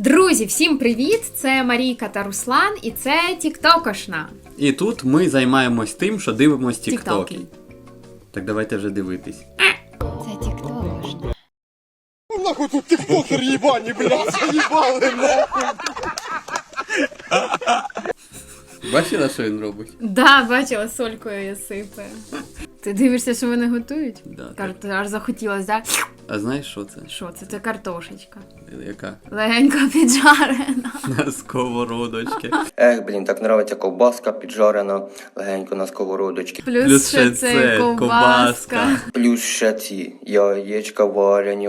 Друзі, всім привіт! Це Марійка та Руслан, і це Тіктокошна. І тут ми займаємось тим, що дивимось тіктоки. Тіктоки. Так давайте вже дивитись. Це Тіктокошна. Нахуй тут тиктокер ебані, блядь, заїбали нахуй. Бачила, що він робить? Да, бачила, солькою я сипаю. Ти дивишся, що вони готують? Да, Кажуть, аж захотілося, да? А знаєш, що це? Що це? Це картошечка. Яка? Легенько піджарена. На сковородочці. Ех, блін, так нравиться ковбаска піджарена легенько на сковородочці. Плюс ще це ковбаска. Плюс ще ці яєчка варені.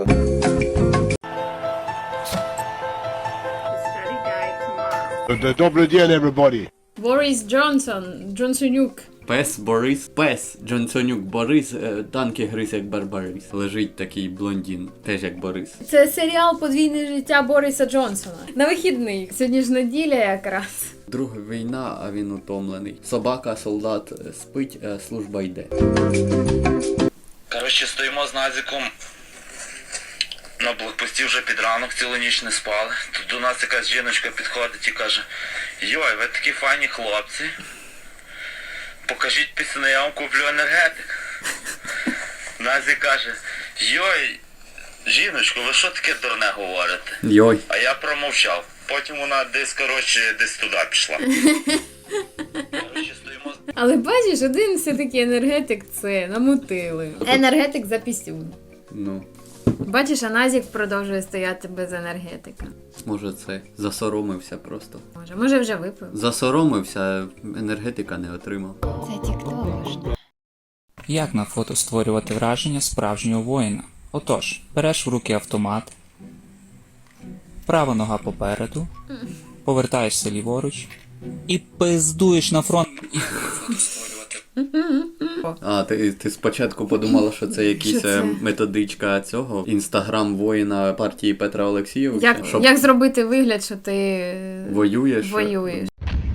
Добрий день, everybody. Борис Джонсонюк. Пес Джонсонюк Борис, танки гриз як Барбарис. Лежить такий блондин, теж як Борис. Це серіал «Подвійне життя Бориса Джонсона». На вихідних. Сьогодні ж неділя якраз. Друга війна, а він утомлений. Собака, солдат спить, служба йде. Коротше, стоїмо з Назіком на блокпості вже під ранок, цілу ніч не спали. Тут до нас якась жіночка підходить і каже: «Йой, ви такі файні хлопці. Покажіть пісні, я вам куплю енергетик». Назік каже: «Йой, жіночко, ви що таке дурне говорите?» Йой. А я промовчав. Потім вона десь туди пішла. Коротше, стоїмо з... Але бачиш, один все-таки енергетик це намутили. Енергетик за пісюн. Ну, Бачиш, а Назік продовжує стояти без енергетика. може це. Засоромився просто. Може вже випив. Засоромився, енергетика не отримав. Це Тіктокошна. Як на фото створювати враження справжнього воїна? Отож, береш в руки автомат, права нога попереду, повертаєшся ліворуч і пиздуєш на фронт. І фото створювати. А, ти спочатку подумала, що це якась методичка цього? Інстаграм воїна партії Петра Олексійовича? Як зробити вигляд, що ти Воюєш? воюєш?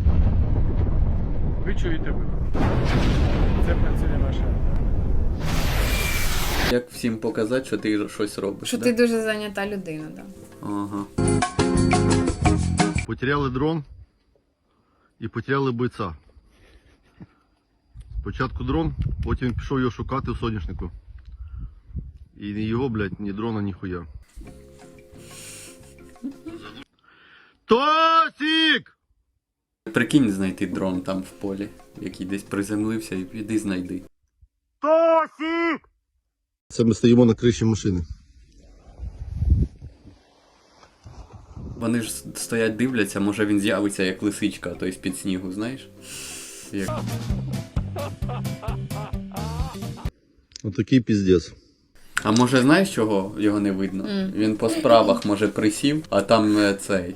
Ви чуєте? Це працює наша. Як всім показати, що ти щось робиш? Що да? ти дуже зайнята людина, так. Ага. Потеряли дрон і потеряли бойця. Спочатку дрон, потім пішов його шукати в соняшнику. І ні його, блядь, ні дрона, ні хуя. Тосік! Прикинь знайти дрон там в полі, який десь приземлився, і піди знайди. Тосік! Це ми стоїмо на криші машини. Вони ж стоять, дивляться, може він з'явиться як лисичка, той з-під снігу, знаєш? Як... Отакий піздець. А може знаєш, чого його не видно? Він по справах, може, присів, а там цей.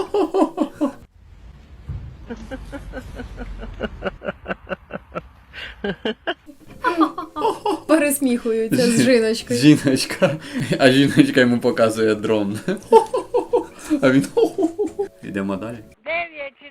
Пересміхуються з жіночкою. Жіночка. А жіночка йому показує дрон. А він... Йдемо далі. 9 чи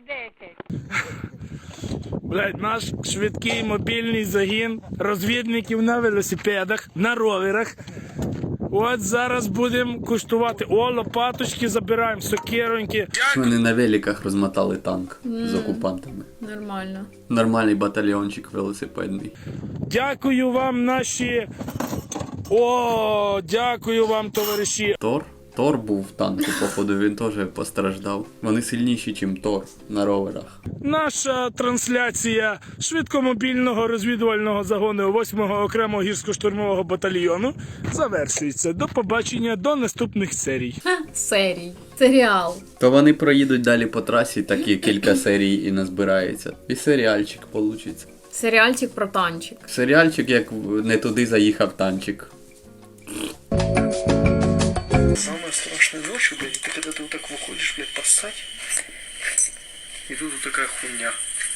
10. Блядь, наш швидкий мобільний загін розвідників на велосипедах, на роверах. От зараз будемо куштувати. О, лопаточки забираємо, сокироньки. Вони на великах розмотали танк з окупантами. Нормально. Нормальний батальйончик велосипедний. Дякую вам, наші... О, дякую вам, товариші. Тор був в танку, походу, він теж постраждав. Вони сильніші, ніж Тор на роверах. Наша трансляція швидкомобільного розвідувального загону 8-го окремого гірсько-штурмового батальйону завершується. До побачення, до наступних серій. Серій. Серіал. То вони проїдуть далі по трасі, такі кілька серій і назбирається. І серіальчик получиться. Серіальчик про танчик. Серіальчик, як не туди заїхав танчик. Самая страшная ночь, блядь, это когда ты вот так выходишь, блядь, поссать, и тут вот такая хуйня.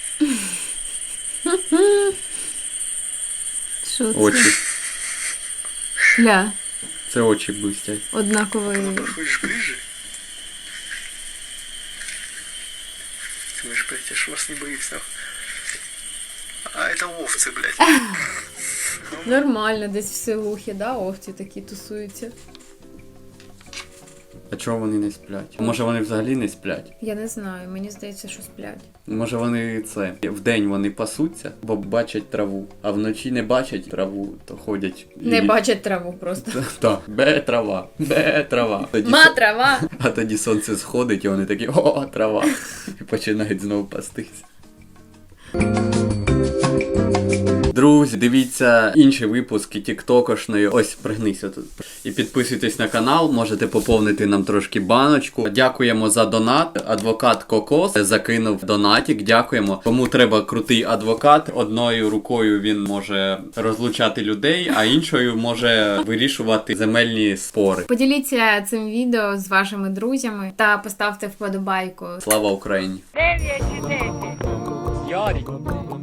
Що це? Очі. Ля. Це очі блистять. Однаковий. Подходишь ближе, ты думаешь, блядь, я ж вас не боюсь, нахуй. А это овцы, блядь. Нормально, десь в селухі, да, овці такі тусуються. А чого вони не сплять? Може вони взагалі не сплять? Я не знаю, мені здається, що сплять. Може вони вдень вони пасуться, бо бачать траву, а вночі не бачать траву, то ходять. Не бачать траву просто. Так, бе трава. Тоді Ма трава! А тоді сонце сходить, і вони такі о, трава. І починають знову пастись. Друзі, дивіться інші випуски тіктокошної. Ось, пригнися тут. І підписуйтесь на канал, можете поповнити нам трошки баночку. Дякуємо за донат. Адвокат Кокос закинув донатик. Дякуємо. Кому треба крутий адвокат, одною рукою він може розлучати людей, а іншою може вирішувати земельні спори. Поділіться цим відео з вашими друзями та поставте вподобайку. Слава Україні! 9 чи 10. Ярик.